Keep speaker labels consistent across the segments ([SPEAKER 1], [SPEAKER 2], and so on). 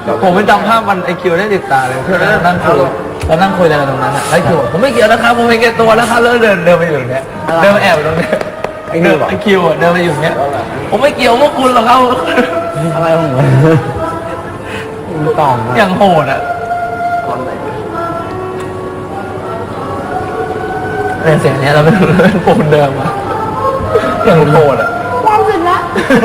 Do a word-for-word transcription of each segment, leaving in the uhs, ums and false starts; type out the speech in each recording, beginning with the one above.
[SPEAKER 1] ผมไม่จำภาพมันไอคิวได้ติดตาเลยเพื่อนนั่งคุยแล้วนั่งคุยอะไรกันตรงนั้นอ่ะไอคิวผมไม่เกี่ยวนะครับผมไม่เกี่ยวตัวแล้วครับแล้วเดินเดินไปอยู่เนี้ยเดินมาแอบตรงเนี้ยไอคิวไอคิวอ่ะเดินมาอยู่เนี้ยผมไม่เกี่ยวพวกคุณหรอกครับ
[SPEAKER 2] อะไรของมันต่อมา
[SPEAKER 1] อย่างโหดอ่ะเนี่ยเสียงเนี้ยเราเป็นโฟนเดิมอ่ะอย่างโหดอ่ะ
[SPEAKER 3] ความสุดละ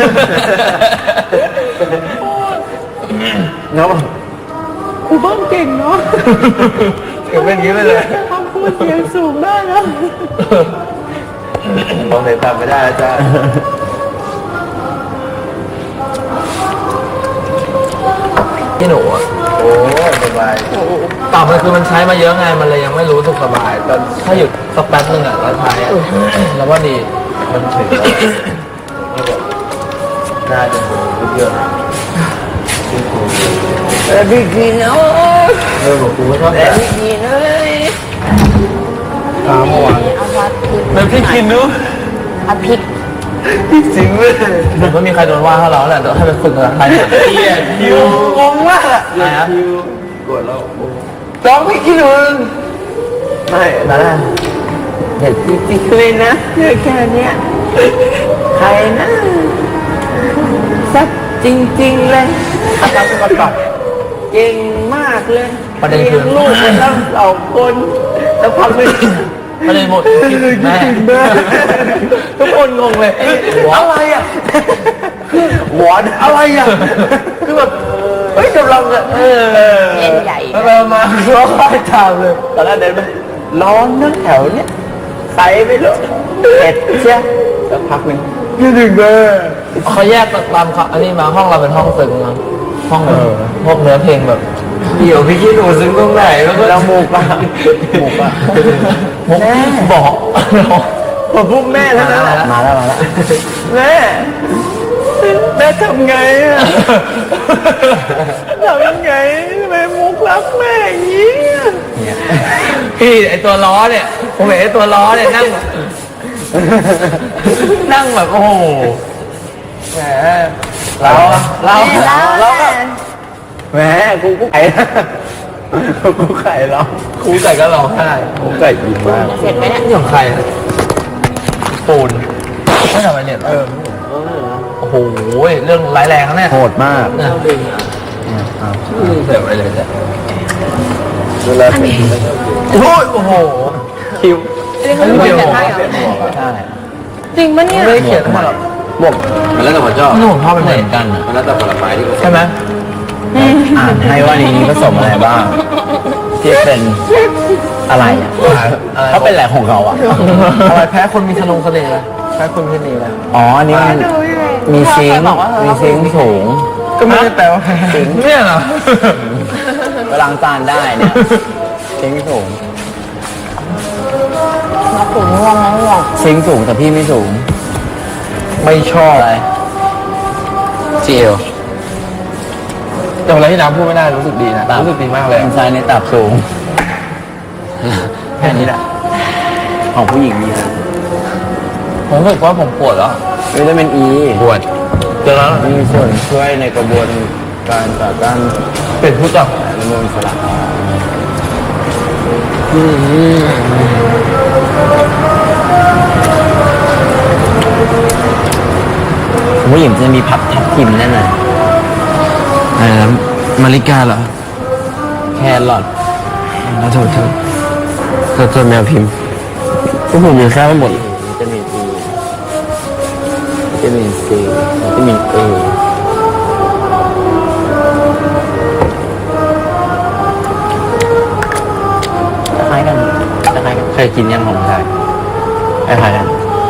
[SPEAKER 2] เนาะ
[SPEAKER 3] ครูเบิ้มเก่งเนาะ
[SPEAKER 1] เก่งเป็นอย่างนี้ไปเลย
[SPEAKER 3] คำพูดเสียงสูงได้นะ
[SPEAKER 1] มองเห็นตามไม่ได้จ้าพี่หนูอ่ะโอ้สบายต่อมันคือมันใช้มาเยอะไงมันเลยยังไม่รู้สึกสบายแต่ถ้าหยุดสักแป๊บนึงอ่ะแล้วใช้อ่ะแล้วว่าดีมันถึงน่าจะรู้เยอะ
[SPEAKER 3] แต่พี่กินเนาะ
[SPEAKER 1] เออบอกกูไม่ชอบแต่
[SPEAKER 3] พี่กินเลย
[SPEAKER 1] ตามเมื่อวานแล้วพี่กินนู้
[SPEAKER 3] เอาพริก
[SPEAKER 1] พี่สิงเลยผมก็มีใครโดนว่าเขาเราแหละให้ไปฝึกภาษาไทยเกียร์คิวงงมากอะอะไรครับคิวกดแล้วร้องพี่กินนึงไม่นะ
[SPEAKER 3] เด็ดจริงๆเลยนะเรื่องแค่เนี้ยใครนะสักจริงๆเลย
[SPEAKER 1] อาการเป็นก่อน
[SPEAKER 3] เก่งมากเลย
[SPEAKER 1] ประเด็นคือ
[SPEAKER 3] ลูกเป็นตั้งสองคนแล้วพักไม่
[SPEAKER 1] ประเด็นหมดแม่ทุกคนงงเลยอะไรอ่ะหวานอะไรอ่ะคือแบบเฮ้ยกำลังอ่ะเออ
[SPEAKER 3] เย็นใหญ่
[SPEAKER 1] เรามาร้องไห้ตามเลย
[SPEAKER 3] ตอนแรกเดินไปร้อนนั่งแถวเนี้ยใส่ไปเลยเอ็ดเชียแล้วพักหนึ่ง
[SPEAKER 1] ยืดดึงเลยเขาแยกตามอันนี้มาห้องเราเป็นห้องซึ้งนะห้องพวกเนื้อเพลงแบบเดี๋ยวพี่คิดดูซึ้งตรงไหนแล้วก็
[SPEAKER 3] แล้วมุกอะ
[SPEAKER 1] มุกอะมุกบอก
[SPEAKER 3] ผมพูดแม่แล้วนะ
[SPEAKER 1] มาแล้วมาแล้ว
[SPEAKER 3] แม่แม่ทำไงอะทำยังไงแม่มุกรักแม่อย่างนี้
[SPEAKER 1] พี่ไอตัวล้อเนี่ยผมเห็นไอตัวล้อเนี่ยนั่งนั่งแบบโอ้โหแหมเราเราเราก็
[SPEAKER 3] แหมกูกูไข่กูไข่เรา
[SPEAKER 1] กูไก่ก็ร้องไห้
[SPEAKER 3] กูไก่ดีมากเสร็จไหมเนี่ย
[SPEAKER 1] นี่ของใครปูนไม่ทำอะไรเนี่ยเออโอ้โหเรื่องร้ายแรงนะเนี่ย
[SPEAKER 2] โหดมาก
[SPEAKER 1] นะเสียไปเลยจ้ะ
[SPEAKER 2] เวลาเป็น
[SPEAKER 1] โอ้ยโอ้โหคิว
[SPEAKER 3] ไม่รู้เขียนให้เหรอ
[SPEAKER 1] ใช่
[SPEAKER 3] จริงปะเนี่ย
[SPEAKER 1] ไม่เขียนมาหรอก
[SPEAKER 2] บวกมันแล้วแต่คนชอบ
[SPEAKER 1] นี่ผมชอบเป็นเหมือนกัน
[SPEAKER 2] มันแล้วแต่ผลไม้ที่
[SPEAKER 1] ใช่ไหม
[SPEAKER 2] อ่านให้ว่านี้ผสมอะไรบ้างที่เป็นอะไรอ่ะเขาเป็นแหล่งของเขาอ่ะ
[SPEAKER 1] อะไรแพ้คนมีทะนงทะเลแพ้คนมีทะเลแล้ว
[SPEAKER 2] อ๋ออันนี้มันมีซิงค์มีซิงค์สูง
[SPEAKER 1] ก็ไม่ได้แปลว่าซิงค์เนี่ยเหรอ
[SPEAKER 2] ล้างจานได้เนี่ยซิงค์สูง
[SPEAKER 3] มาสูงง่วงนะง่วง
[SPEAKER 2] ซิงค์สูงแต่พี่ไม่สูง
[SPEAKER 1] ไม่ชอบ
[SPEAKER 2] อะไร
[SPEAKER 1] เจียวแต่เวลาที่น้ำพูดไม่ได้รู้สึกดีนะรู้สึกดีมากเลย
[SPEAKER 2] อินไซน์ในตับสูงแค่นี้แหละของผู้หญิงมีนะ
[SPEAKER 1] ผมรู้สึกว่าผมปวดแล้ว
[SPEAKER 2] วิตามินอี
[SPEAKER 1] ปวดเจอแล้ว
[SPEAKER 2] มีส่วนช่วยในกระบวนการต่อต้าน
[SPEAKER 1] เป็นผู้จับ
[SPEAKER 2] อนุมูลอิสระผู้หญิงจะมีพับทับทิมแน่นอน
[SPEAKER 1] อะไรนะมาริกาเหรอ
[SPEAKER 2] แครอท
[SPEAKER 1] แล้วโทษเธอเธอเธอแมวพิมพ์
[SPEAKER 2] พวกผมมีแค่ไม่หมดวิตามินอีวิตามินซีวิตามินเอคล้ายกันคล้ายกันเคยกินยังของไทยคล้ายกัน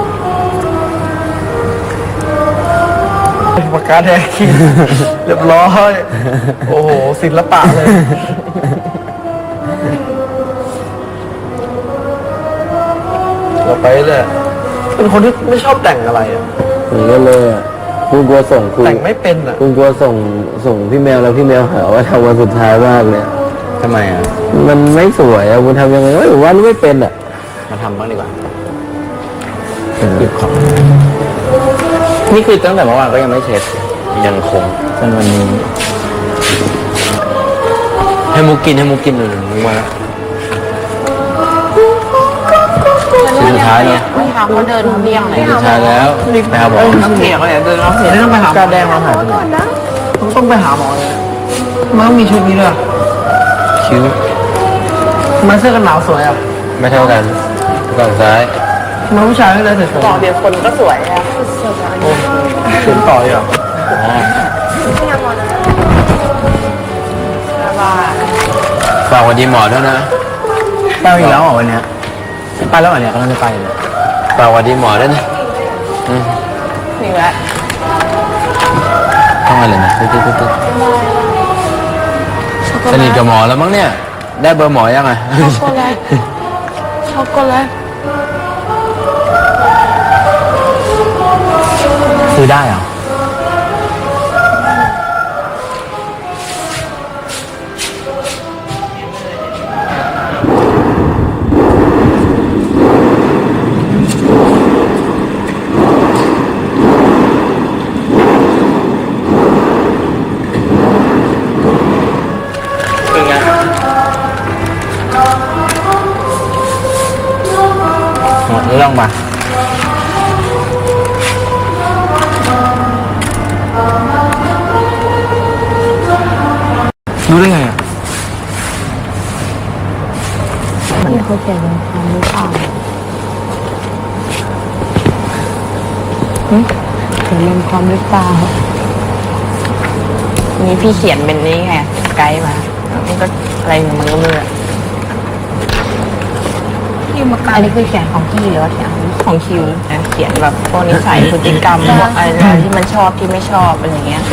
[SPEAKER 1] ปากกาแดงกินเรียบร้อยโอ้โหศิลปะเลยเราไปเลยเป็นคนที่ไม่ชอบแต่งอะไรอ่ะ
[SPEAKER 2] นี่ก็เลยอ่ะกูกลัวส่งกู
[SPEAKER 1] แต่งไม่เป็นอ่ะ
[SPEAKER 2] กูกลัวส่งส่งพี่แมวแล้วพี่แมวหาว่าทำวันสุดท้ายมากเลย
[SPEAKER 1] ทำไมอ่ะ
[SPEAKER 2] มันไม่สวยอ่ะกูทำยังไงไม่รู้ว่าไม่เป็นอ่ะมาทำบ้างดีกว่าเก็บของนี่คือตั้งแต่เมื่อวานก็ยังไม่เช็ดยังคงจนวันนี้ให้มุกกินให้มุกกินหน่อยมุกมาแล้วสุดท้ายแล้ว
[SPEAKER 3] ไม่ทำเขาเดินเลี่ยงเลย
[SPEAKER 2] สุดท้ายแล้วไปหาหมอ
[SPEAKER 1] น้ำเสียงอะไรเดินน้ำเสียงต้องไปหาหมอ
[SPEAKER 2] การแดงเราหายไปไหน
[SPEAKER 1] ต้องไปหาหมอเลยมันต้องมีชุดนี้ด้วย
[SPEAKER 2] คิ้ว
[SPEAKER 1] มันเสื้อกันหนาวสวยอ่ะ
[SPEAKER 2] ไม่เท่ากันฝั่งซ้าย
[SPEAKER 1] มันผู้ชายไม่เลยสวย
[SPEAKER 3] ต่อเดียวคนก็สวยอะ
[SPEAKER 1] ถึงต่อเลยเหรอ
[SPEAKER 2] อ๋อ
[SPEAKER 3] ว่า
[SPEAKER 2] ฝากวันดีหมอด้วยนะ
[SPEAKER 1] ไปอีกแล้วเหรอวันเนี้ยไปแล้วเหรอเนี่ยกำลังจะไปเลย
[SPEAKER 2] ฝากวันดีหมอด้วยนะอืม
[SPEAKER 3] นี่แหละ
[SPEAKER 2] ต้องอะไรนะตึ๊ดตึ๊ดตึ๊ดตึ๊ดสนิทกับหมอแล้วมั้งเนี่ย ได้เบอร์หมอยังไง
[SPEAKER 3] ช็อกโกแลตช็อกโกแลต
[SPEAKER 1] ซื้อได้เหรอ
[SPEAKER 2] เป็นไง
[SPEAKER 1] หมดเรื่องมารู้ได้ไงอ่ะ
[SPEAKER 3] นี่เขาเขียนเป็นคำหรือเปล่าเขียนเป็นความหรือเปล่านี่พี่เขียนเป็นนี่ไงไกด์มามันก็อะไรของมันก็ไม่รู้อะอันนี้คือเขียนของพี่หรือว่าเขียนของคิวนะเขียนแบบพวกนิสัยพฤติกรรมพวกอะไรที่มันชอบที่ไม่ชอบอะไรอย่างเงี้ย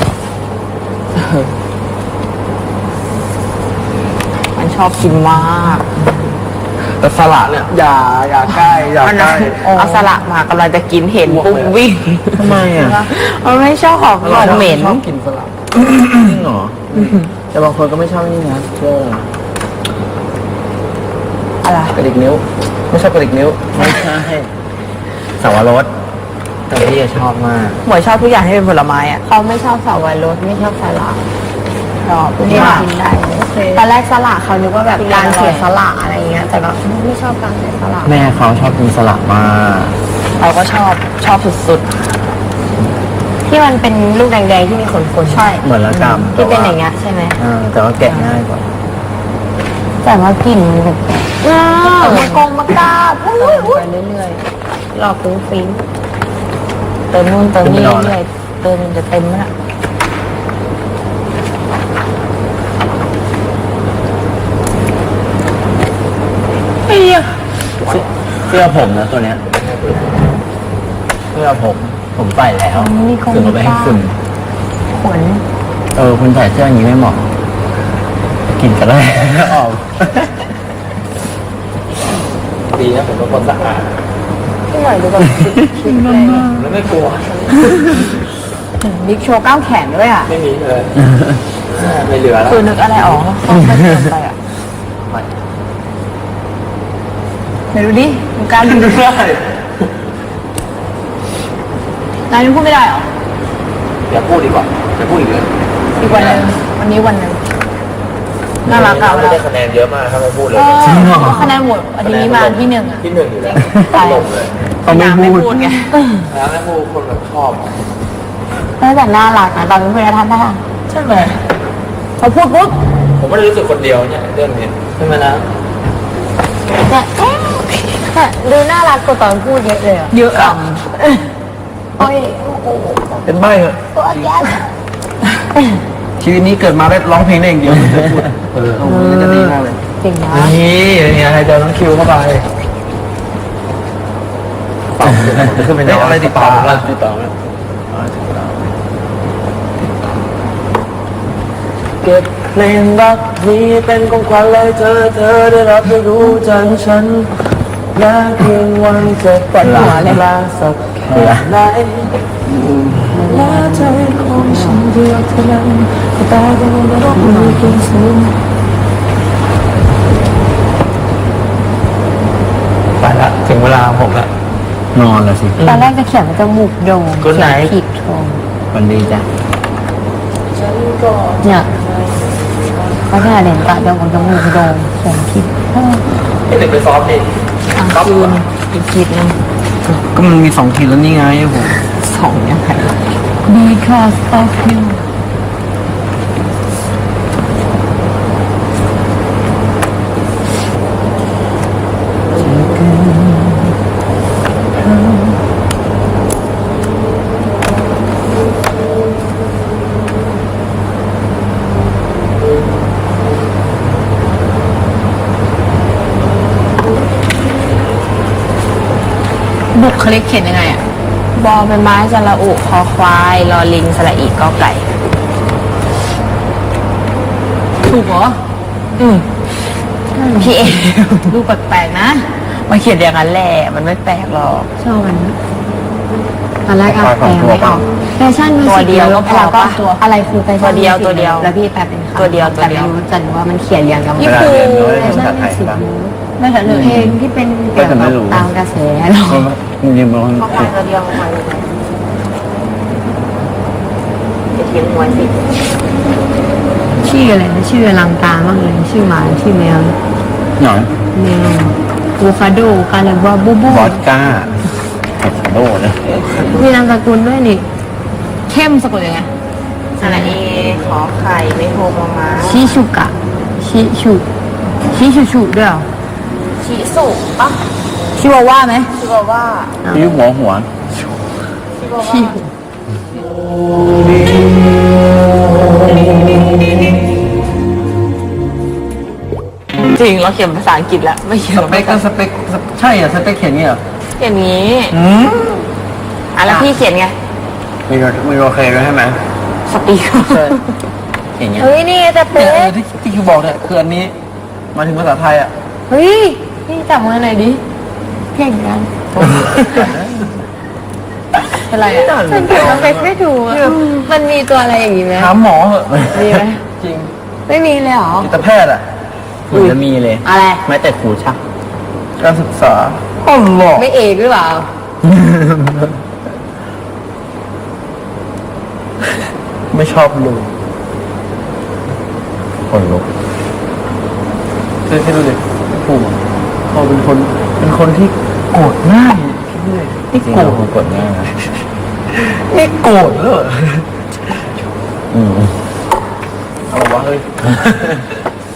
[SPEAKER 3] มันชอบกินมาก
[SPEAKER 1] แต่สละเนี่ยอย่าอย่าใกล้อย่า
[SPEAKER 3] มัน
[SPEAKER 1] ใกล้
[SPEAKER 3] เอาสละมากำลังจะกินเห็นปุ๊บวิ่ง
[SPEAKER 1] ทำไมอ่ะ
[SPEAKER 3] มันไม่ชอบของของเหม็น
[SPEAKER 1] ชอบกินสละจริงเหรอแต่บางคนก็ไม่ชอบนี่นะเชื่อ
[SPEAKER 3] อะไร
[SPEAKER 1] กระดิกนิ้ว ไม่ชอบกระดิกนิ้วไม่ใช่สาวรสแต่พี่ชอบมาก
[SPEAKER 3] หมวยชอบทุกอย่างที่เป็นผลไม้อะเขาไม่ชอบสาวรสไม่ชอบสละชอบที่มากินได้ตอนแรกสละเขานึกว่าแบบการเสียสละอะไรเงี้ยแต่ก็ไม่ชอบการเสียสละ
[SPEAKER 1] แม่เขาชอบกินสลัดมาก
[SPEAKER 3] เราก็ชอบชอบสุดๆที่มันเป็นลูกแดงๆที่มีขนๆใช่
[SPEAKER 1] เหมือนละกำ
[SPEAKER 3] ที่เป็นอย่างเงี้ยใช่ไหม
[SPEAKER 1] อ่าแต่ว่าแกะง่ายกว่า
[SPEAKER 3] แต่ว่ากลิ่นมันแบบว้าวมากงมากาบไปเรื่อยๆรอฟุ้งฟิ้งเติมนู่นเติมนี่เรื่อยๆเติมจนจะเต็มแล้ว
[SPEAKER 1] เสื้อผมนะตัวเนี้ยเสื้อผมผมใส่แล้ว
[SPEAKER 3] นี่คง
[SPEAKER 1] ถึงเอาไปให้คุณ
[SPEAKER 3] ขน
[SPEAKER 1] เออคุณใส่เสื้ออย่างนี้ไม่เหมาะกินก็ได้ออกดีนะผมเป็นคนสะอาด
[SPEAKER 3] ที่หน่อยดูแบบคิดเลย
[SPEAKER 1] แล้วไม่กลัว
[SPEAKER 3] บิ๊กโชว์ก้าวแขนด้วยอ่ะ
[SPEAKER 1] ไม่มีเลยไม่เหลือแล้ว
[SPEAKER 3] คือนึกอะไรออกก็เขาเกินไปอ่ะไหนดูดิดูการดู
[SPEAKER 1] ไม่ได้
[SPEAKER 3] นายยังพูดไม่ได้เหรอ
[SPEAKER 1] อย่าพูดดีกว่าอย่าพูดอีกเลย
[SPEAKER 3] อีกวันหนึงวันนี้วันหนึงน่ารักอ่ะเว
[SPEAKER 1] ไม่
[SPEAKER 3] ลา
[SPEAKER 1] ได้คะแนนเยอะมากถ้าไม่พูดเลย
[SPEAKER 3] เออคะแนนหมดอันนี้มาที่หนึ่งอ่ะ
[SPEAKER 1] ที่หนึ่งอยู่แล้ว
[SPEAKER 3] ใช่
[SPEAKER 1] ลงเลย
[SPEAKER 3] เขาไม่พูดไง
[SPEAKER 1] แล้วแม่พูดคนแบบชอบ
[SPEAKER 3] แต่น่ารักนะตอนเป็นเพื่อนท่านท่าน
[SPEAKER 1] ใช่ไหม
[SPEAKER 3] เขาพูดปุ๊บ
[SPEAKER 1] ผมไม่ได้รู้สึกคนเดียวเนี่ยเรื่องนี้ใช่ไหมนะ
[SPEAKER 3] เนี่ยเอ๊ะแต่ดูน่ารักกว่าตอนพูดเยอะเลยอ่ะเยอะอ่ะโอ้ยโอ้โห
[SPEAKER 1] เป็นใบเหรอ
[SPEAKER 3] ตัวแย่
[SPEAKER 1] ชีวิตนี้เกิดมาได้ร้องเพลงได้อย่างเดียวไม่เคยพูดเออโอ้โหนี่จะดีมากเลย
[SPEAKER 3] เก่งนะ
[SPEAKER 1] นี่เนี่ยให้เจอน้องคิวเข้าไปฝั่งคือเป็นอะไรติดต่อแล้วติดต่อแล้วเก็บเพลงรักนี้เป็นของขวัญเลยเธอเธอได้รับได้รู้จักฉันและเพียงวันจะปวดหัวเลยลาสักแค่ไหนและใจของฉันเดียวเท่านั้นแต่ก็ไม่รู้มีเพียงสูงไปละถึงเวลาผมละนอนแล้วสิ
[SPEAKER 3] ตอนแรกจะเขียนว่าจมูกโด่ง
[SPEAKER 1] Good
[SPEAKER 3] เขียน
[SPEAKER 1] night
[SPEAKER 3] ผิดโทง
[SPEAKER 1] วันดีจ้ะ
[SPEAKER 3] เนี่ยเพราะถ้าเด่นตาจมูกจมูกโด่งสองขีด
[SPEAKER 1] ให้เด็กไปซ้อมดิ
[SPEAKER 3] อ่ะคืนอีกขีดหนึง
[SPEAKER 2] ก็มันมีสองขีดแล้วนี่ไงผม
[SPEAKER 3] สองยังไง because of you บุคลิกเขียนยังไงอ่ะ บอเป็นไม้สระอุคอควายรอลิงสระอีกอไก่ ถูกเหรอ อืมพี่เอดูแปลกๆนะมาเขียนอย่างนั้นแหละมันไม่แปลกหรอก
[SPEAKER 4] ชอบมันตอนแรกเอาแปลไม่ออกแฟชั่นมิว
[SPEAKER 3] ตัว
[SPEAKER 4] สิก
[SPEAKER 3] เดียวก็พอปะ
[SPEAKER 4] ตัวอะไรคือแฟชั่น
[SPEAKER 3] ตัวเดียว
[SPEAKER 4] มิสิก
[SPEAKER 3] ตัวเดียว
[SPEAKER 4] แล้วพี่แปลเป็นคำ
[SPEAKER 3] ตัวเดียวตัวเดียว
[SPEAKER 4] แต่ไม่รู้จันว่ามันเขียนเรียงกัน
[SPEAKER 3] พี่
[SPEAKER 4] หมด
[SPEAKER 3] ปู
[SPEAKER 4] แฟชั่นมิวสิก
[SPEAKER 3] ไม่ใช่เลย
[SPEAKER 4] เพลงที่เป็นเกี่ยวกับตามกระแสหรอ
[SPEAKER 2] จริงๆมัน
[SPEAKER 3] ข้อความตัวเดียวข้อความตัวเดียวจะเทียงมวยสิ
[SPEAKER 4] ชื่ออะไรนะชื่ออลังการมากเลยชื่อหมาชื่อแมว
[SPEAKER 2] หน่อย
[SPEAKER 4] แมวบูฟาโดกาเลว่าบูบู
[SPEAKER 2] บอสก้าเอ็ดโดนะ
[SPEAKER 4] มีนามสกุลด้วยนี่
[SPEAKER 3] เข้มสะกดยังไงสระเอขอไข่ไม่โทรมามา
[SPEAKER 4] ชิชุกะชิชุชิชุชุด้วยเหรอ
[SPEAKER 3] ชิสุปะ
[SPEAKER 4] ชิวาว่าไหม
[SPEAKER 3] ชิบาว่า
[SPEAKER 2] พี่หัวหัว
[SPEAKER 3] ชิบา
[SPEAKER 4] ชิ
[SPEAKER 3] ว่าจริงเราเขียนภาษาอังกฤษแล้วไม่เขียน
[SPEAKER 1] สเปคก็สเปคใช่เหรอสเปคเขียนเงี้ยเหรอ
[SPEAKER 3] เขียนอย่างนี้
[SPEAKER 1] อืม
[SPEAKER 3] อ่ะแล้วพี่เขียนไง
[SPEAKER 2] มีมีโอเคด้วยใช่ไหม
[SPEAKER 3] สปีก
[SPEAKER 1] ใช่
[SPEAKER 2] อย่างเงี้ย
[SPEAKER 3] เฮ้ยนี่จะ
[SPEAKER 1] เนี่
[SPEAKER 3] เป็
[SPEAKER 1] ยเออน ที่ที่คิวบอกเนี่ยคืออันนี้มาถึงภาษาไทยอ่ะ
[SPEAKER 3] เฮ้ยพี่จับมือหน่อยดิ
[SPEAKER 4] เก่งกัน
[SPEAKER 3] เป็นไรอ่ะ
[SPEAKER 4] ฉันเขียนสเปคไม่ถูกอะมันมีตัวอะไรอย่างงี้ไหม
[SPEAKER 1] ถามหมอเหอะ
[SPEAKER 3] มีไหม
[SPEAKER 1] จริง
[SPEAKER 4] ไม่มีเลยเหรอ
[SPEAKER 1] จิตแพทย์อ่ะ
[SPEAKER 2] ถึงจะมีเลย
[SPEAKER 3] อะไร
[SPEAKER 2] แม้แต่ครูชัก
[SPEAKER 1] การศึกษาอ๋อหรอ
[SPEAKER 3] ไม่เอกหรือเปล่า
[SPEAKER 1] ไม่ชอบลุง
[SPEAKER 2] คนลุก
[SPEAKER 1] คือให้ดูดิปู่เขาเป็นคนเป็นคนที่โกรธง่ายคิดดูดินี่
[SPEAKER 2] จริง
[SPEAKER 1] โกร
[SPEAKER 2] เรา
[SPEAKER 1] ธ
[SPEAKER 2] คงกดง่ายนะ
[SPEAKER 1] นี่โกรธเลย
[SPEAKER 2] อืม
[SPEAKER 1] อะไรวะเฮ้ย